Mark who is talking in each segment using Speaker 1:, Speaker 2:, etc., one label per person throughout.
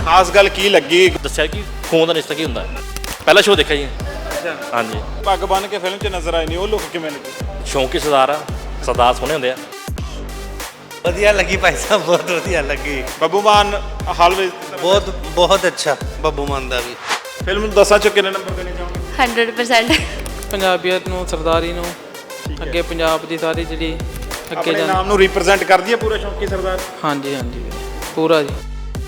Speaker 1: ਖਾਸ ਗੱਲ ਕੀ ਲੱਗੀ?
Speaker 2: ਦੱਸਿਆ ਕਿ ਖੂਨ ਦਾ ਰਿਸ਼ਤਾ ਕੀ ਹੁੰਦਾ ਹੈ। ਪਹਿਲਾ ਸ਼ੋਅ ਦੇਖਿਆ ਜੀ।
Speaker 1: ਅੱਛਾ,
Speaker 2: ਹਾਂਜੀ।
Speaker 1: ਪੱਗ ਬੰਨ ਕੇ ਫਿਲਮ 'ਚ ਨਜ਼ਰ ਆਏ ਨੇ, ਉਹ ਲੁੱਕ ਕਿਵੇਂ ਲੱਗੀ?
Speaker 2: ਸ਼ੌਂਕੀ ਸਰਦਾਰ ਆ, ਸਰਦਾਰ ਸੋਹਣੇ ਹੁੰਦੇ ਆ।
Speaker 3: ਵਧੀਆ ਲੱਗੀ ਭਾਈ ਸਾਹਿਬ, ਬਹੁਤ ਵਧੀਆ ਲੱਗੀ।
Speaker 1: ਬੱਬੂ ਮਾਨ ਹਾਲ ਵਿੱਚ
Speaker 3: ਬਹੁਤ ਬਹੁਤ ਅੱਛਾ ਬੱਬੂ ਮਾਨ ਦਾ ਵੀ।
Speaker 1: ਫਿਲਮ ਨੂੰ 10 'ਚੋਂ ਕਿੰਨੇ ਨੰਬਰ ਦੇਣੇ ਚਾਹੋਗੇ?
Speaker 4: 100%।
Speaker 5: ਪੰਜਾਬੀਅਤ ਨੂੰ, ਸਰਦਾਰੀ ਨੂੰ, ਅੱਗੇ ਪੰਜਾਬ ਦੀ ਸਾਰੀ ਜਿਹੜੀ ਅੱਗੇ
Speaker 1: ਆਪਣੇ ਨਾਮ ਨੂੰ ਰਿਪਰੈਜ਼ੈਂਟ ਕਰਦੀ ਹੈ ਪੂਰਾ ਸ਼ੌਂਕੀ ਸਰਦਾਰ।
Speaker 5: ਹਾਂਜੀ ਹਾਂਜੀ ਵੀਰੇ, ਪੂਰਾ ਜੀ।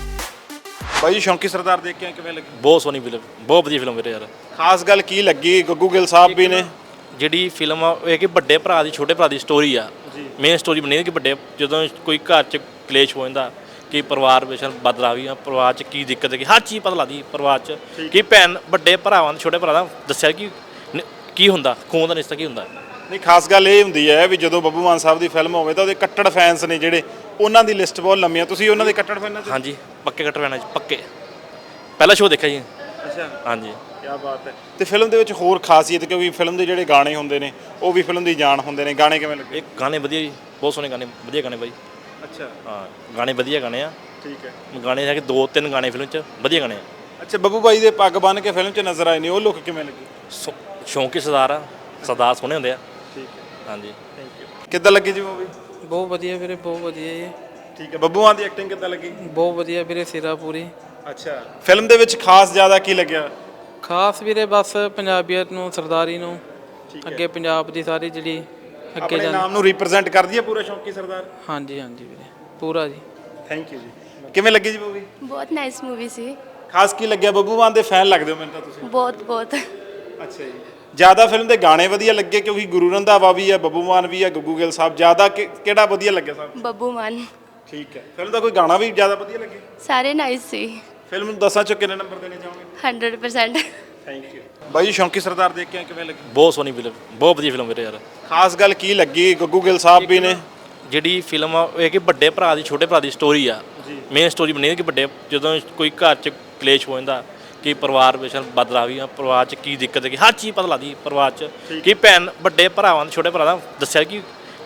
Speaker 1: ਬਾਈ ਜੀ, ਸ਼ੌਂਕੀ ਸਰਦਾਰ ਦੇਖ ਕੇ ਕਿਵੇਂ ਲੱਗੀ?
Speaker 2: ਬਹੁਤ ਸੋਹਣੀ ਫਿਲਮ, ਬਹੁਤ ਵਧੀਆ ਫਿਲਮ ਵੀਰੇ ਯਾਰ।
Speaker 1: ਖਾਸ ਗੱਲ ਕੀ ਲੱਗੀ? ਗੱਗੂ ਗਿੱਲ ਸਾਹਿਬ ਵੀ ਨੇ।
Speaker 2: ਜਿਹੜੀ ਫਿਲਮ ਆ ਇਹ ਕਿ ਵੱਡੇ ਭਰਾ ਦੀ ਛੋਟੇ ਭਰਾ ਦੀ ਸਟੋਰੀ ਆ। ਮੇਨ ਸਟੋਰੀ ਬਣੀ ਹੈ ਕਿ ਵੱਡੇ ਜਦੋਂ ਕੋਈ ਘਰ 'ਚ ਕਲੇਸ਼ ਹੋ ਜਾਂਦਾ ਕਿ ਪਰਿਵਾਰ ਵਿੱਚ ਬਦਲਾਵੀਆਂ, ਪਰਿਵਾਰ 'ਚ ਕੀ ਦਿੱਕਤ ਹੈ, ਕਿ ਹਰ ਚੀਜ਼ ਪਤਾ ਲੱਗਦੀ ਪਰਿਵਾਰ 'ਚ ਕਿ ਭੈਣ ਵੱਡੇ ਭਰਾਵਾਂ ਛੋਟੇ ਭਰਾ ਦਾ ਦੱਸਿਆ ਕਿ ਕੀ ਹੁੰਦਾ, ਖੂਨ ਦਾ ਰਿਸ਼ਤਾ ਕੀ ਹੁੰਦਾ।
Speaker 1: ਨਹੀਂ, ਖਾਸ ਗੱਲ ਇਹ ਹੁੰਦੀ ਹੈ ਵੀ ਜਦੋਂ ਬੱਬੂ ਮਾਨ ਸਾਹਿਬ ਦੀ ਫਿਲਮ ਹੋਵੇ ਤਾਂ ਉਹਦੇ ਕੱਟੜ ਫੈਨਸ ਨੇ ਜਿਹੜੇ, ਉਹਨਾਂ ਦੀ ਲਿਸਟ ਬਹੁਤ ਲੰਮੀ ਆ। ਤੁਸੀਂ ਉਹਨਾਂ ਦੇ ਕੱਟੜ ਫੈਨਾਂ 'ਚ?
Speaker 2: ਹਾਂਜੀ, ਪੱਕੇ ਕੱਟੜ ਫੈਨਾਂ 'ਚ ਪੱਕੇ। ਪਹਿਲਾ ਸ਼ੋਅ ਦੇਖਿਆ ਜੀ।
Speaker 1: ਅੱਛਾ,
Speaker 2: ਹਾਂਜੀ।
Speaker 1: ਕੀ ਬਾਤ ਹੈ। ਤੇ ਫਿਲਮ ਦੇ ਵਿੱਚ ਹੋਰ ਖਾਸੀਅਤ, ਕਿਉਂਕਿ ਫਿਲਮ ਦੇ ਜਿਹੜੇ ਗਾਣੇ ਹੁੰਦੇ ਨੇ ਉਹ ਵੀ ਫਿਲਮ ਦੀ ਜਾਨ ਹੁੰਦੇ ਨੇ, ਗਾਣੇ ਕਿਵੇਂ ਲੱਗੇ?
Speaker 2: ਇਹ ਗਾਣੇ ਵਧੀਆ ਜੀ, ਬਹੁਤ ਸੋਹਣੇ ਗਾਣੇ, ਵਧੀਆ ਗਾਣੇ ਬਾਈ।
Speaker 1: ਅੱਛਾ,
Speaker 2: ਹਾਂ, ਗਾਣੇ ਵਧੀਆ ਗਾਣੇ ਆ।
Speaker 1: ਠੀਕ ਹੈ।
Speaker 2: ਗਾਣੇ ਹੈਗੇ 2-3 ਗਾਣੇ ਫਿਲਮ 'ਚ ਵਧੀਆ ਗਾਣੇ ਆ।
Speaker 1: ਅੱਛਾ, ਬੱਬੂ ਬਾਈ ਦੇ ਪੱਗ ਬੰਨ ਕੇ ਫਿਲਮ 'ਚ ਨਜ਼ਰ ਆਏ ਨੇ, ਉਹ ਲੁੱਕ ਕਿਵੇਂ ਲੱਗੀ?
Speaker 2: ਸ਼ੌਂਕੀ ਸਰਦਾਰ ਆ, ਸਰਦਾਰ ਸੋਹਣੇ ਹੁੰਦੇ ਆ।
Speaker 1: ਠੀਕ ਹੈ,
Speaker 2: ਹਾਂਜੀ।
Speaker 1: Thank you. ਕਿੱਦਾਂ ਲੱਗੀ ਜੀ ਮੂਵੀ?
Speaker 5: ਬਹੁਤ ਵਧੀਆ ਵੀਰੇ, ਬਹੁਤ ਵਧੀਆ ਜੀ।
Speaker 1: ਠੀਕ ਹੈ। ਬੱਬੂ ਮਾਨ ਦੀ ਐਕਟਿੰਗ ਕਿੱਦਾਂ ਲੱਗੀ?
Speaker 5: ਬਹੁਤ ਵਧੀਆ ਵੀਰੇ, ਸਿਰਾ ਪੂਰੀ।
Speaker 1: ਅੱਛਾ, ਫਿਲਮ ਦੇ ਵਿੱਚ ਖਾਸ ਜ਼ਿਆਦਾ ਕੀ ਲੱਗਿਆ?
Speaker 5: ਖਾਸ ਵੀਰੇ ਬਸ ਪੰਜਾਬੀਅਤ ਨੂੰ, ਸਰਦਾਰੀ ਨੂੰ, ਅੱਗੇ ਪੰਜਾਬ ਦੀ ਸਾਰੀ ਜਿਹੜੀ ਅੱਗੇ
Speaker 1: ਆਪਣੇ ਨਾਮ ਨੂੰ ਰਿਪਰੈਜ਼ੈਂਟ ਕਰਦੀ ਹੈ ਪੂਰਾ ਸ਼ੌਂਕੀ ਸਰਦਾਰ।
Speaker 5: ਹਾਂਜੀ ਹਾਂਜੀ ਵੀਰੇ, ਪੂਰਾ ਜੀ।
Speaker 1: ਥੈਂਕ ਯੂ ਜੀ। ਕਿਵੇਂ ਲੱਗੀ ਜੀ ਮੂਵੀ?
Speaker 4: ਬਹੁਤ ਨਾਈਸ ਮੂਵੀ ਸੀ।
Speaker 1: ਖਾਸ ਕੀ ਲੱਗਿਆ? ਬੱਬੂ ਮਾਨ ਦੇ ਫੈਨ ਲੱਗਦੇ ਹੋ ਮੈਨੂੰ ਤਾਂ ਤੁਸੀਂ।
Speaker 4: ਬਹੁਤ ਬਹੁਤ।
Speaker 1: ਅੱਛਾ ਜੀ। ਜ਼ਿਆਦਾ ਫਿਲਮ ਦੇ ਗਾਣੇ ਵਧੀਆ ਲੱਗੇ ਕਿਉਂਕਿ ਗੁਰੂ ਰੰਧਾਵਾ ਵੀ ਹੈ, ਬੱਬੂ ਮਾਨ ਵੀ ਹੈ, ਗੱਗੂ ਗਿੱਲ ਸਾਹਿਬ, ਜ਼ਿਆਦਾ ਕਿਹੜਾ ਵਧੀਆ ਲੱਗਿਆ ਸਾਹਿਬ?
Speaker 4: ਬੱਬੂ ਮਾਨ।
Speaker 1: ਠੀਕ ਹੈ। ਫਿਲਮ ਦਾ ਕੋਈ ਗਾਣਾ ਵੀ ਜ਼ਿਆਦਾ ਵਧੀਆ ਲੱਗੇ?
Speaker 4: ਸਾਰੇ ਨਾਈਸ ਸੀ।
Speaker 1: ਫਿਲਮ ਨੂੰ 10 'ਚੋਂ ਕਿੰਨੇ ਨੰਬਰ ਦੇਣੇ ਚਾਹੋਗੇ?
Speaker 4: 100%।
Speaker 1: Thank you. ਬਾਈ ਜੀ, ਸ਼ੌਂਕੀ ਸਰਦਾਰ ਦੇਖ ਕੇ ਕਿਵੇਂ ਲੱਗੀ?
Speaker 2: ਬਹੁਤ ਸੋਹਣੀ ਫਿਲਮ, ਬਹੁਤ ਵਧੀਆ ਫਿਲਮ ਵੀਰੇ ਯਾਰ।
Speaker 1: ਖਾਸ ਗੱਲ ਕੀ ਲੱਗੀ? ਗੱਗੂ ਗਿੱਲ ਸਾਹਿਬ ਵੀ ਨੇ।
Speaker 2: ਜਿਹੜੀ ਫਿਲਮ ਆ ਇਹ ਕਿ ਵੱਡੇ ਭਰਾ ਦੀ ਛੋਟੇ ਭਰਾ ਦੀ ਸਟੋਰੀ ਆ। ਮੇਨ ਸਟੋਰੀ ਬਣੀ ਹੈ ਕਿ ਵੱਡੇ ਜਦੋਂ ਕੋਈ ਘਰ 'ਚ ਕਲੇਸ਼ ਹੋ ਜਾਂਦਾ ਕਿ ਪਰਿਵਾਰ ਵਿੱਚ ਬਦਲਾਵੀਆਂ, ਪਰਿਵਾਰ 'ਚ ਕੀ ਦਿੱਕਤ ਹੈ, ਕਿ ਹਰ ਚੀਜ਼ ਪਤਾ ਲੱਗਦੀ ਪਰਿਵਾਰ 'ਚ ਕਿ ਭੈਣ ਵੱਡੇ ਭਰਾਵਾਂ ਦੇ ਛੋਟੇ ਭਰਾ ਦਾ ਦੱਸਿਆ ਕਿ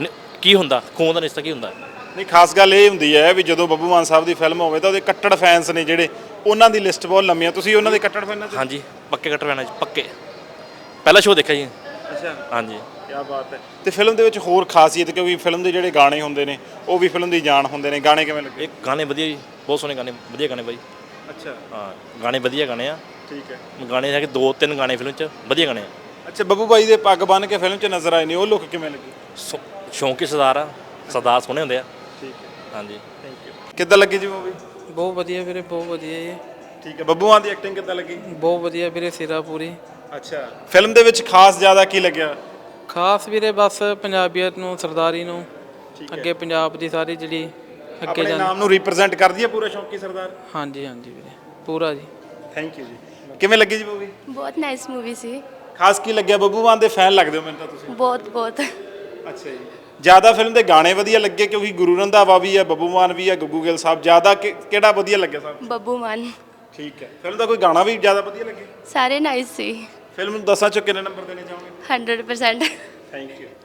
Speaker 2: ਕੀ ਹੁੰਦਾ, ਖੂਨ ਦਾ ਰਿਸ਼ਤਾ ਕੀ ਹੁੰਦਾ।
Speaker 1: ਨਹੀਂ, ਖਾਸ ਗੱਲ ਇਹ ਹੁੰਦੀ ਹੈ ਵੀ ਜਦੋਂ ਬੱਬੂ ਮਾਨ ਸਾਹਿਬ ਦੀ ਫਿਲਮ ਹੋਵੇ ਤਾਂ ਉਹਦੇ ਕੱਟੜ ਫੈਨਸ ਨੇ ਜਿਹੜੇ, ਉਹਨਾਂ ਦੀ ਲਿਸਟ ਬਹੁਤ ਲੰਮੀ ਆ। ਤੁਸੀਂ ਉਹਨਾਂ ਦੇ ਕੱਟੜ ਫੈਨਾਂ 'ਚ?
Speaker 2: ਹਾਂਜੀ, ਪੱਕੇ ਕੱਟੜ ਫੈਨਾਂ 'ਚ ਪੱਕੇ। ਪਹਿਲਾ ਸ਼ੋਅ ਦੇਖਿਆ ਜੀ।
Speaker 1: ਅੱਛਾ,
Speaker 2: ਹਾਂਜੀ।
Speaker 1: ਕੀ ਬਾਤ ਹੈ। ਤੇ ਫਿਲਮ ਦੇ ਵਿੱਚ ਹੋਰ ਖਾਸੀਅਤ, ਕਿਉਂਕਿ ਫਿਲਮ ਦੇ ਜਿਹੜੇ ਗਾਣੇ ਹੁੰਦੇ ਨੇ ਉਹ ਵੀ ਫਿਲਮ ਦੀ ਜਾਨ ਹੁੰਦੇ ਨੇ, ਗਾਣੇ ਕਿਵੇਂ ਲੱਗੇ?
Speaker 2: ਇਹ ਗਾਣੇ ਵਧੀਆ ਜੀ, ਬਹੁਤ ਸੋਹਣੇ ਗਾਣੇ, ਵਧੀਆ ਗਾਣੇ ਬਾਈ।
Speaker 1: ਅੱਛਾ,
Speaker 2: ਹਾਂ, ਗਾਣੇ ਵਧੀਆ ਗਾਣੇ ਆ।
Speaker 1: ਠੀਕ ਹੈ।
Speaker 2: ਗਾਣੇ ਹੈਗੇ 2-3 ਗਾਣੇ ਫਿਲਮ 'ਚ ਵਧੀਆ ਗਾਣੇ ਆ।
Speaker 1: ਅੱਛਾ, ਬੱਬੂ ਬਾਈ ਦੇ ਪੱਗ ਬੰਨ ਕੇ ਫਿਲਮ 'ਚ ਨਜ਼ਰ ਆਏ ਨੇ, ਉਹ ਲੁੱਕ ਕਿਵੇਂ ਲੱਗੀ?
Speaker 2: ਸ਼ੌਂਕੀ ਸਰਦਾਰ ਆ, ਸਰਦਾਰ ਸੋਹਣੇ ਹੁੰਦੇ ਆ।
Speaker 1: ਠੀਕ ਹੈ,
Speaker 2: ਹਾਂਜੀ।
Speaker 1: Thank you. ਕਿੱਦਾਂ ਲੱਗੀ ਜੀ ਮੂਵੀ?
Speaker 5: ਬਹੁਤ ਵਧੀਆ ਵੀਰੇ, ਬਹੁਤ ਵਧੀਆ ਜੀ।
Speaker 1: ਠੀਕ ਹੈ। ਬੱਬੂ ਮਾਨ ਦੀ ਐਕਟਿੰਗ ਕਿੱਦਾਂ ਲੱਗੀ?
Speaker 5: ਬਹੁਤ ਵਧੀਆ ਵੀਰੇ, ਸਿਰਾ ਪੂਰੀ।
Speaker 1: ਅੱਛਾ, ਫਿਲਮ ਦੇ ਵਿੱਚ ਖਾਸ ਜ਼ਿਆਦਾ ਕੀ ਲੱਗਿਆ?
Speaker 5: ਖਾਸ ਵੀਰੇ ਬਸ ਪੰਜਾਬੀਅਤ ਨੂੰ, ਸਰਦਾਰੀ ਨੂੰ, ਅੱਗੇ ਪੰਜਾਬ ਦੀ ਸਾਰੀ ਜਿਹੜੀ ਅੱਗੇ
Speaker 1: ਆਪਣੇ ਨਾਮ ਨੂੰ ਰਿਪਰੈਜ਼ੈਂਟ ਕਰਦੀ ਹੈ ਪੂਰਾ ਸ਼ੌਂਕੀ ਸਰਦਾਰ।
Speaker 5: ਹਾਂਜੀ ਹਾਂਜੀ ਵੀਰੇ, ਪੂਰਾ ਜੀ।
Speaker 1: ਥੈਂਕ ਯੂ ਜੀ। ਕਿਵੇਂ ਲੱਗੀ ਜੀ ਮੂਵੀ?
Speaker 4: ਬਹੁਤ ਨਾਈਸ ਮੂਵੀ ਸੀ।
Speaker 1: ਖਾਸ ਕੀ ਲੱਗਿਆ? ਬੱਬੂ ਮਾਨ ਦੇ ਫੈਨ ਲੱਗਦੇ ਹੋ ਮੈਨੂੰ ਤਾਂ ਤੁਸੀਂ।
Speaker 4: ਬਹੁਤ ਬਹੁਤ।
Speaker 1: ਅੱਛਾ ਜੀ। ਜ਼ਿਆਦਾ ਫਿਲਮ ਦੇ ਗਾਣੇ ਵਧੀਆ ਲੱਗੇ ਕਿਉਂਕਿ ਗੁਰੂ ਰੰਧਾਵਾ ਵੀ ਹੈ, ਬੱਬੂ ਮਾਨ ਵੀ ਹੈ, ਗੱਗੂ ਗਿੱਲ ਸਾਹਿਬ, ਜ਼ਿਆਦਾ ਕਿਹੜਾ ਵਧੀਆ ਲੱਗਿਆ ਸਾਹਿਬ?
Speaker 4: ਬੱਬੂ ਮਾਨ।
Speaker 1: ਠੀਕ ਹੈ। ਫਿਲਮ ਦਾ ਕੋਈ ਗਾਣਾ ਵੀ ਜ਼ਿਆਦਾ ਵਧੀਆ ਲੱਗੇ?
Speaker 4: ਸਾਰੇ ਨਾਈਸ ਸੀ।
Speaker 1: ਫਿਲਮ ਨੂੰ 10 'ਚੋਂ ਕਿੰਨੇ ਨੰਬਰ ਦੇਣੇ ਚਾਹੋਗੇ?
Speaker 4: 100%।
Speaker 1: Thank you.